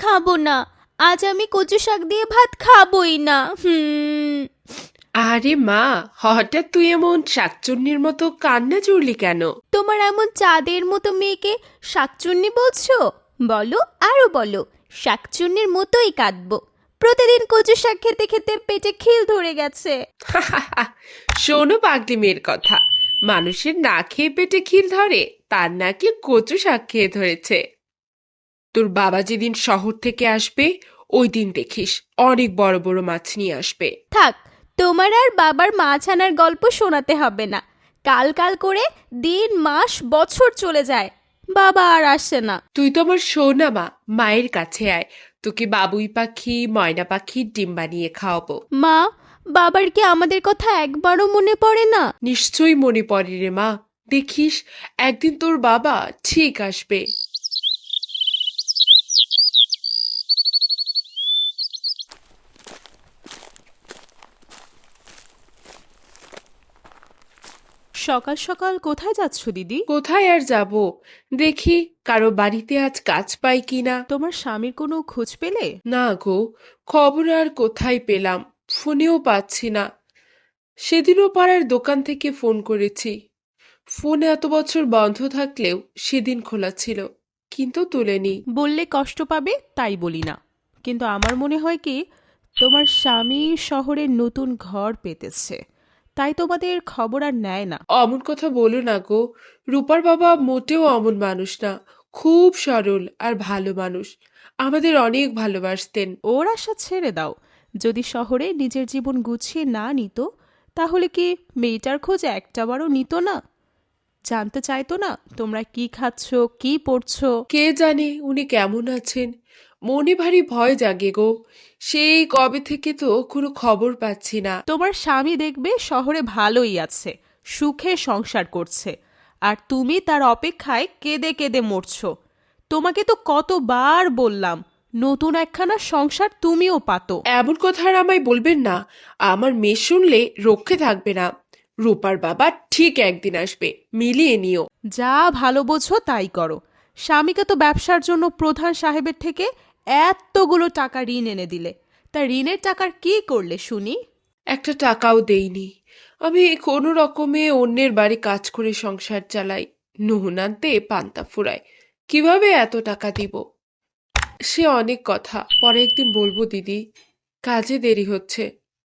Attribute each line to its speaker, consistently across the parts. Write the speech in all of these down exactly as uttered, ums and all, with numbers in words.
Speaker 1: খাবো না, আজ আমি কচু শাক দিয়ে ভাত খাবোই না। হুম।
Speaker 2: আরে মা, হঠাৎ তুই এমন শাকচুন্নির মতো কান্না জুড়লি কেন?
Speaker 1: তোমার এমন চাঁদের মতো মেয়েকে শাকচুন্নি বলছো? বলো, আরো বলো, শাকচুন্নির মতোই কাঁদবো। প্রতিদিন কচু শাক খেতে খেতে পেটে খিল ধরে গেছে।
Speaker 2: শোনো পাগলি মেয়ের কথা, মানুষের না খেয়ে পেটে খিল ধরে, তার নাকি কচু শাক খেয়ে ধরেছে। তোর বাবা যেদিন শহর থেকে আসবে ওই দিন দেখিস অনেক বড় বড় মাছ নিয়ে আসবে।
Speaker 1: থাক, তোমার আর বাবার মাছ আনার গল্প শোনাতে হবে না। কাল কাল করে দিন মাস বছর চলে যায়, বাবা আর আসে না।
Speaker 2: তুই তো আমার সোনা মা, মায়ের কাছে আয়, তোকে বাবুই পাখি ময়না পাখির ডিম বানিয়ে খাওয়াবো।
Speaker 1: মা, বাবার কি আমাদের কথা একবারও মনে পড়ে না?
Speaker 2: নিশ্চয়ই মনে পড়ে রে মা, দেখিস একদিন তোর বাবা ঠিক আসবে।
Speaker 3: সকাল সকাল কোথায় যাচ্ছ দিদি?
Speaker 2: কোথায় আর যাব, দেখি কারো বাড়িতে আজ কাজ পাই কিনা।
Speaker 3: তোমার স্বামীর কোনো খোঁজ পেলে?
Speaker 2: না গো, খবর আর কোথায় পেলাম, ফোনেও পাচ্ছি না। সেদিনও পাড়ার দোকান থেকে ফোন করেছি, ফোন এত বছর বন্ধ থাকলেও সেদিন খোলা ছিল, কিন্তু তুলেনি।
Speaker 3: বললে কষ্ট পাবে তাই বলি না, কিন্তু আমার মনে হয় কি তোমার স্বামী শহরে নতুন ঘর পেতেছে, তাই তোমাদের খবর আর নেয় না।
Speaker 2: অমন কথা বলো না গো, রূপার বাবা মোটেও অমন মানুষ না, খুব সরল আর ভালো মানুষ, আমাদের অনেক ভালোবাসতেন।
Speaker 3: ওর আশা ছেড়ে দাও, যদি শহরে নিজের জীবন গুছিয়ে না নিত তাহলে কি মেয়েটার খোঁজ একটাবারও নিত না? জানতে চাইতো না তোমরা কি খাচ্ছ, কি পড়ছো?
Speaker 2: কে জানে উনি কেমন আছেন, মনে ভারী ভয় জাগে গো, সেই কবে থেকে তো কোনো খবর পাচ্ছি না।
Speaker 3: তোমার স্বামী দেখবে শহরে ভালোই আছে, সুখে সংসার করছে, আর তুমি তার অপেক্ষায় কেঁদে কেঁদে মরছো। তোমাকে তো কতবার বললাম নতুন একখানা সংসার তুমিও পাতো।
Speaker 2: এমন কথা আর আমায় বলবেন না, আমার মেয়ে শুনলে রক্ষে থাকবে না। রূপার বাবা ঠিক একদিন আসবে, মিলিয়ে নিও।
Speaker 3: যা ভালো বোঝো তাই করো। স্বামীকে তো ব্যবসার জন্য প্রধান সাহেবের থেকে এতগুলো টাকা ঋণ এনে দিলে, তা ঋণের টাকার কি করলে শুনি?
Speaker 2: একটা টাকাও দেইনি, আমি কোনো রকমে অন্যের বাড়ি কাজ করে সংসার চালাই, নুন আনতে পান্তা ফুরায়, কিভাবে এত টাকা দিব? সে অনেক কথা, পরে একদিন বলবো দিদি, কাজে দেরি হচ্ছে।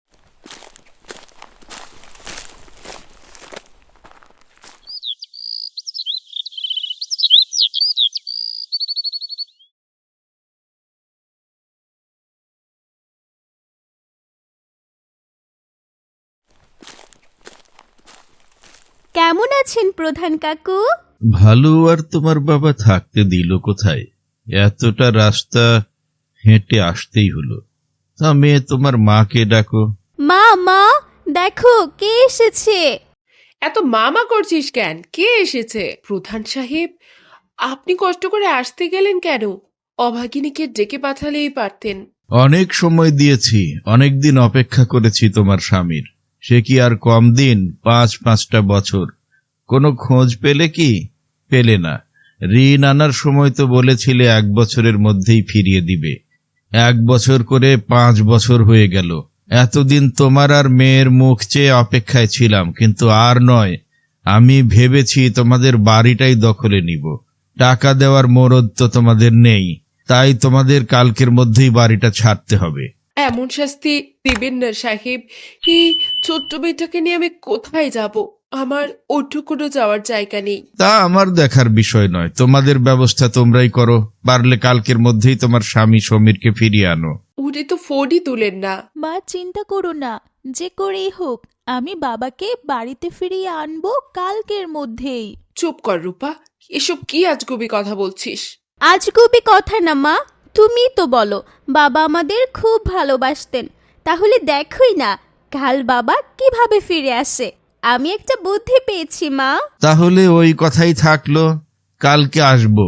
Speaker 1: কেমন আছেন প্রধান কাকু?
Speaker 4: ভালো। আর তোমার বাবা থাকতে দিল কোথায়? এতটা রাস্তা হেঁটে আসতেই হলো। তা মেয়ে তোমার মাকে ডাকো।
Speaker 1: মা, মা, দেখো কে এসেছে।
Speaker 2: এত মামা করছিস কেন? কে এসেছে? প্রধান সাহেব, আপনি কষ্ট করে আসতে গেলেন কেন? অভাগিনীকে ডেকে পাঠালেই পারতেন।
Speaker 4: অনেক সময় দিয়েছি, অনেক দিন অপেক্ষা করেছি তোমার স্বামীর, সে কি আর কম দিন? পাঁচ পাঁচটা বছর কোনো খোঁজ পেলে কি? পেলে না। ঋণ আনার সময় তো বলেছিলে এক বছরের মধ্যেই ফিরিয়ে দিবে, এক বছর করে পাঁচ বছর হয়ে গেল। এতদিন তোমার আর মেয়ের মুখ চেয়ে অপেক্ষায় ছিলাম, কিন্তু আর নয়। আমি ভেবেছি তোমাদের বাড়িটাই দখলে নিব, টাকা দেওয়ার মরদ তো তোমাদের নেই, তাই তোমাদের কালকের মধ্যেই বাড়িটা ছাড়তে হবে।
Speaker 2: এমন শাস্তি দিবেন না সাহেব, এই ছোট্ট মেয়েটাকে নিয়ে আমি কোথায় যাব? আমার ওটুকুনো যাওয়ার জায়গা নেই।
Speaker 4: তা আমার দেখার বিষয় নয়, তোমাদের ব্যবস্থা তোমরাই করো। পারলে কালকের মধ্যেই তোমার স্বামী সমীরকে ফিরিয়ে আনো।
Speaker 2: উনি তো ফোনই তুলেন না।
Speaker 1: মা, চিন্তা করো না, যে করেই হোক আমি বাবাকে বাড়িতে ফিরিয়ে আনবো কালকের মধ্যেই।
Speaker 2: চুপ কর রূপা, এসব কি আজগুবি কথা বলছিস?
Speaker 1: আজগুবি কথা না মা, তুমি তো বলো বাবা আমাদের খুব ভালোবাসতেন, তাহলে দেখোই না কাল বাবা কিভাবে ফিরে আসে। আমি একটা বুদ্ধি পেয়েছি মা।
Speaker 4: তাহলে ওই কথাই থাকলো, কালকে আসবো।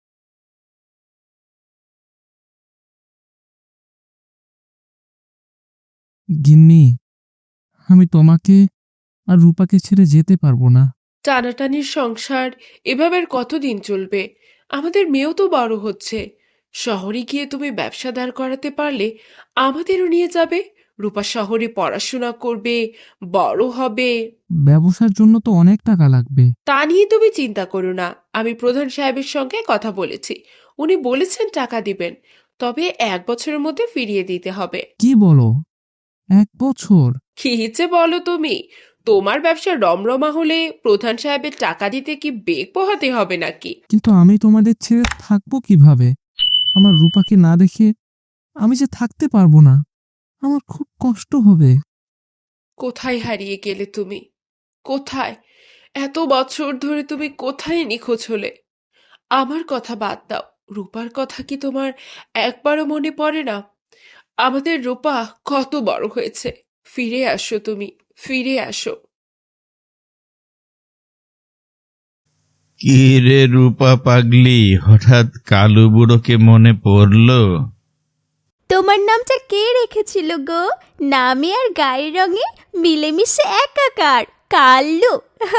Speaker 5: গিন্নি, আমি তোমাকে আর রূপাকে ছেড়ে যেতে পারবো না।
Speaker 2: টানাটানির সংসার এভাবে আর কতদিন চলবে? আমাদের মেয়েও তো বড় হচ্ছে, শহরে গিয়ে তুমি ব্যবসা দাঁড় করাতে পারলে আমাদেরও নিয়ে যাবে। রূপা শহরে পড়াশোনা করবে, বড় হবে।
Speaker 5: ব্যবসার জন্য তো অনেক টাকা লাগবে।
Speaker 2: তা নিয়ে তুমি চিন্তা করো না, আমি প্রধান সাহেবের সঙ্গে কথা বলেছি। উনি বলেছেন টাকা দিবেন, তবে এক বছরের মধ্যে ফিরিয়ে দিতে হবে।
Speaker 5: কি বলো, এক বছর?
Speaker 2: কি যে বলো তুমি! তোমার ব্যবসা রমরমা হলে প্রধান সাহেবের টাকা দিতে কি বেগ পোহাতে হবে নাকি?
Speaker 5: কিন্তু আমি তোমাদের ছেড়ে থাকবো কিভাবে? আমার রূপাকে না দেখে আমি যে থাকতে পারবো না, আমার খুব কষ্ট হবে।
Speaker 2: কোথায় হারিয়ে গেলে তুমি? কোথায়? এত বছর ধরে তুমি কোথায় নিখোঁজ হলে? আমার কথা বাদ দাও, রূপার কথা কি তোমার একবারও মনে পড়ে না? আমাদের রূপা কত বড় হয়েছে। ফিরে আসো তুমি, ফিরে আসো।
Speaker 4: কি রে রূপা পাগলি, হঠাৎ কালু বুড়োকে মনে পড়লো?
Speaker 1: তোমার নামটা কে রেখেছিল গো? নামে আর গায়ের রঙে মিলেমিশে একাকার। কাল্লু।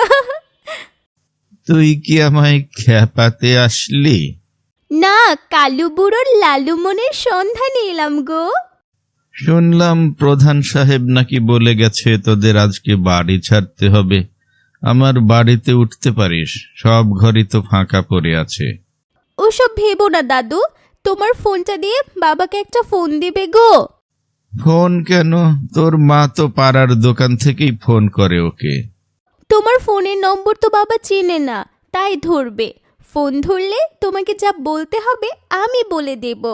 Speaker 4: তুই কি আমায় খেপাতে আসলি?
Speaker 1: না, কালু বুড়োর লালু মনের সন্ধানে এলাম গো।
Speaker 4: শুনলাম প্রধান সাহেব নাকি বলে গেছে তোদের আজকে বাড়ি ছাড়তে হবে। আমার বাড়িতে উঠতে পারিস, সব ঘরই তো ফাঁকা পড়ে আছে।
Speaker 1: ওসব ভেবো না দাদু, তোমার ফোনটা দিয়ে বাবাকে একটা ফোন দিবে গো।
Speaker 4: ফোন কেন? তোর মা তো পাড়ার দোকান থেকেই ফোন করে ওকে।
Speaker 1: তোমার ফোনের নম্বর তো বাবা চেনে না, তাই ধরবে। ফোন ধরলে তোমাকে যা বলতে হবে আমি বলে দেব।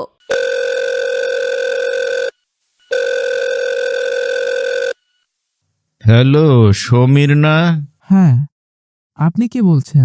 Speaker 4: হ্যালো, সমীর না?
Speaker 5: হ্যাঁ, আপনি কে বলছেন?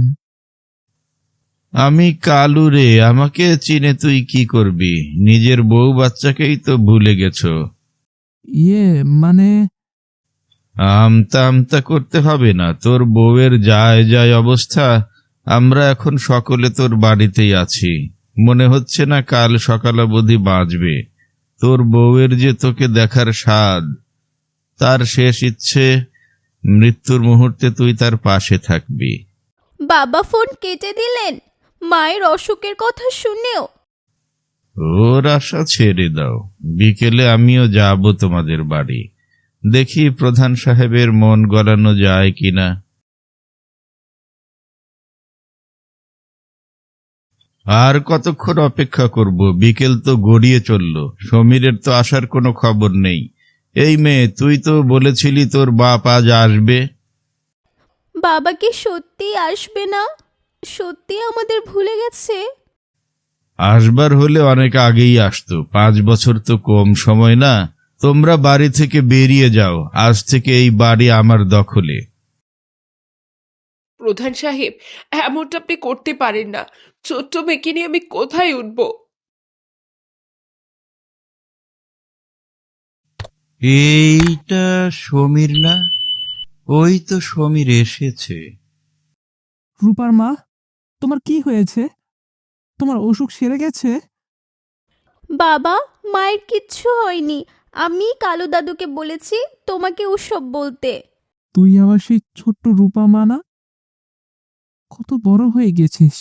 Speaker 4: আমি কালু রে। আমাকে চিনে তুই কি করবি? নিজের বউ বাচ্চাকেই তো ভুলে গেছো।
Speaker 5: ইয়ে মানে
Speaker 4: আমতা আমতা করতে হবে না। তোর বউয়ের যায় যায় অবস্থা। আমরা এখন সকলে তোর বাড়িতেই আছি। মনে হচ্ছে না কাল সকাল অবধি বাঁচবে। তোর বউয়ের যে তোকে দেখার স্বাদ, তার শেষ ইচ্ছে মৃত্যুর মুহূর্তে তুই তার পাশে থাকবি।
Speaker 1: বাবা ফোন কেটে দিলেন মায়ের অসুখের কথা শুনেও।
Speaker 4: ওর আশা ছেড়ে দাও। বিকেলে আমিও যাব তোমাদের বাড়ি। দেখি প্রধান সাহেবের মন গলানো যায় কিনা। আর কতক্ষণ অপেক্ষা করব? বিকেল তো গড়িয়ে চলল। সমীরের তো আসার কোনো খবর নেই। এই মেয়ে, তুই তো বলেছিলি তোর বাপ আজ আসবে।
Speaker 1: বাবা কি সত্যি আসবে না? সত্যি আমাদের ভুলে গেছে?
Speaker 4: আসবার হলে অনেক আগেই আসতো। পাঁচ বছর তো কম সময় না। তোমরা বাড়ি থেকে বেরিয়ে যাও। আজ থেকে এই বাড়ি আমার দখলে।
Speaker 2: প্রধান সাহেব, এমনটা আপনি করতে পারেন না। ছোট্ট মেয়েকে নিয়ে আমি কোথায় উঠব?
Speaker 4: এইটা সমীর না? ওই তো সমীর এসেছে।
Speaker 5: রূপার মা, তোমার কি হয়েছে? তোমার অসুখ সেরে গেছে?
Speaker 1: বাবা, মায়ের কিচ্ছু হয়নি। আমি কালু দাদুকে বলেছি তোমাকে ওসব বলতে।
Speaker 5: তুই আবার সেই ছোট্ট রূপা মা না? কত বড় হয়ে গেছিস।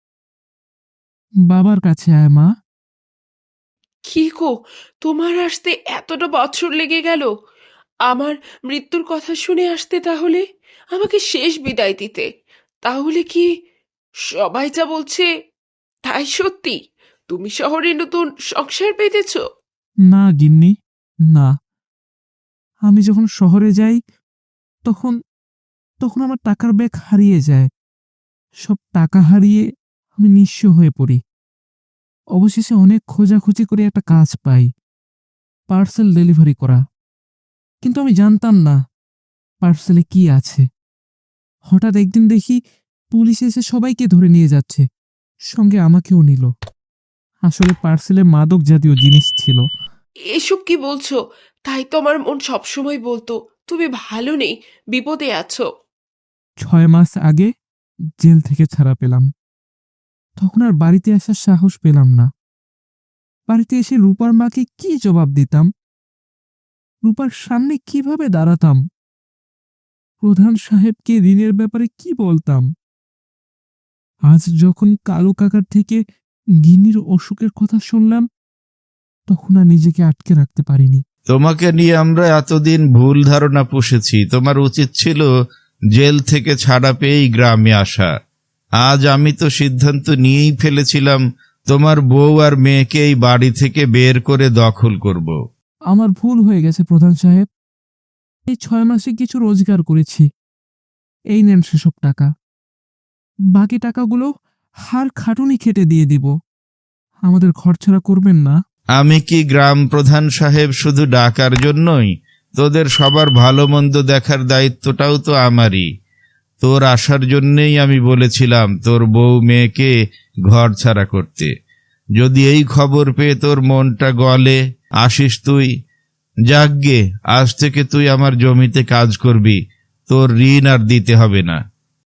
Speaker 5: বাবার কাছে আয় মা।
Speaker 2: কি গো, তোমার আসতে এতটা বছর লেগে গেল? আমার মৃত্যুর কথা শুনে আসতে তাহলে, আমাকে শেষ বিদায় দিতে। তাহলে কি সবাই যা বলছে তাই সত্যি? তুমি শহরে নতুন সংসার পেতেছ?
Speaker 5: না গিন্নি, না। আমি যখন শহরে যাই তখন তখন আমার টাকার ব্যাগ হারিয়ে যায়। সব টাকা হারিয়ে আমি নিঃস্ব হয়ে পড়ি। অবশেষে অনেক খোঁজাখুঁজি করে একটা কাজ পাই, পার্সেল ডেলিভারি করা। কিন্তু আমি জানতাম না পার্সেলে কি আছে। হঠাৎ একদিন দেখি পুলিশ এসে সবাইকে ধরে নিয়ে যাচ্ছে, সঙ্গে আমাকেও নিল। আসলে পার্সেলে মাদক জাতীয় জিনিস ছিল।
Speaker 2: এসব কি বলছো? তাই তো আমার মন সবসময় বলতো তুমি ভালো নেই, বিপদে আছো।
Speaker 5: ছয় মাস আগে জেল থেকে ছাড়া পেলাম। তখন আর বাড়িতে আসার সাহস পেলাম না। বাড়িতে এসে রূপার মাকে কি জবাব দিতাম? রূপার সামনে কিভাবে দাঁড়াতাম? প্রধান সাহেবকে ঋণের ব্যাপারে কি বলতাম? আজ যখন কালু কাকার থেকে গিন্নির অসুখের কথা শুনলাম, তখন আর নিজেকে আটকে রাখতে পারিনি।
Speaker 4: তোমাকে নিয়ে আমরা এতদিন ভুল ধারণা পুষেছি। তোমার উচিত ছিল জেল থেকে ছাড়া পেয়েই গ্রামে আসা। আজ আমি তো সিদ্ধান্ত নিয়েই ফেলেছিলাম তোমার বউ আর মেয়েকে এই বাড়ি থেকে বের করে দখল করব।
Speaker 5: আমার ভুল হয়ে গেছে প্রধান সাহেব। এই ছয় মাসে কিছু রোজগার করেছি, এই নেন সেসব টাকা। বাকি টাকাগুলো হার খাটুনি খেটে দিয়ে দিব। আমাদের ঘরছাড়া করবেন না।
Speaker 4: আমি কি গ্রাম প্রধান সাহেব শুধু ডাকার জন্যই? তোদের সবার ভালো মন্দ দেখার দায়িত্বটাও তো আমারই। তোর আসার জন্যেই আমি বলেছিলাম তোর বউ মেয়েকে ঘর ছাড়া করতে। যদি এই খবর পেয়ে তোর মনটা গলে, আসিস তুই। যাকগে, আজ থেকে তুই আমার জমিতে কাজ করবি, তোর ঋণ আর দিতে হবে না।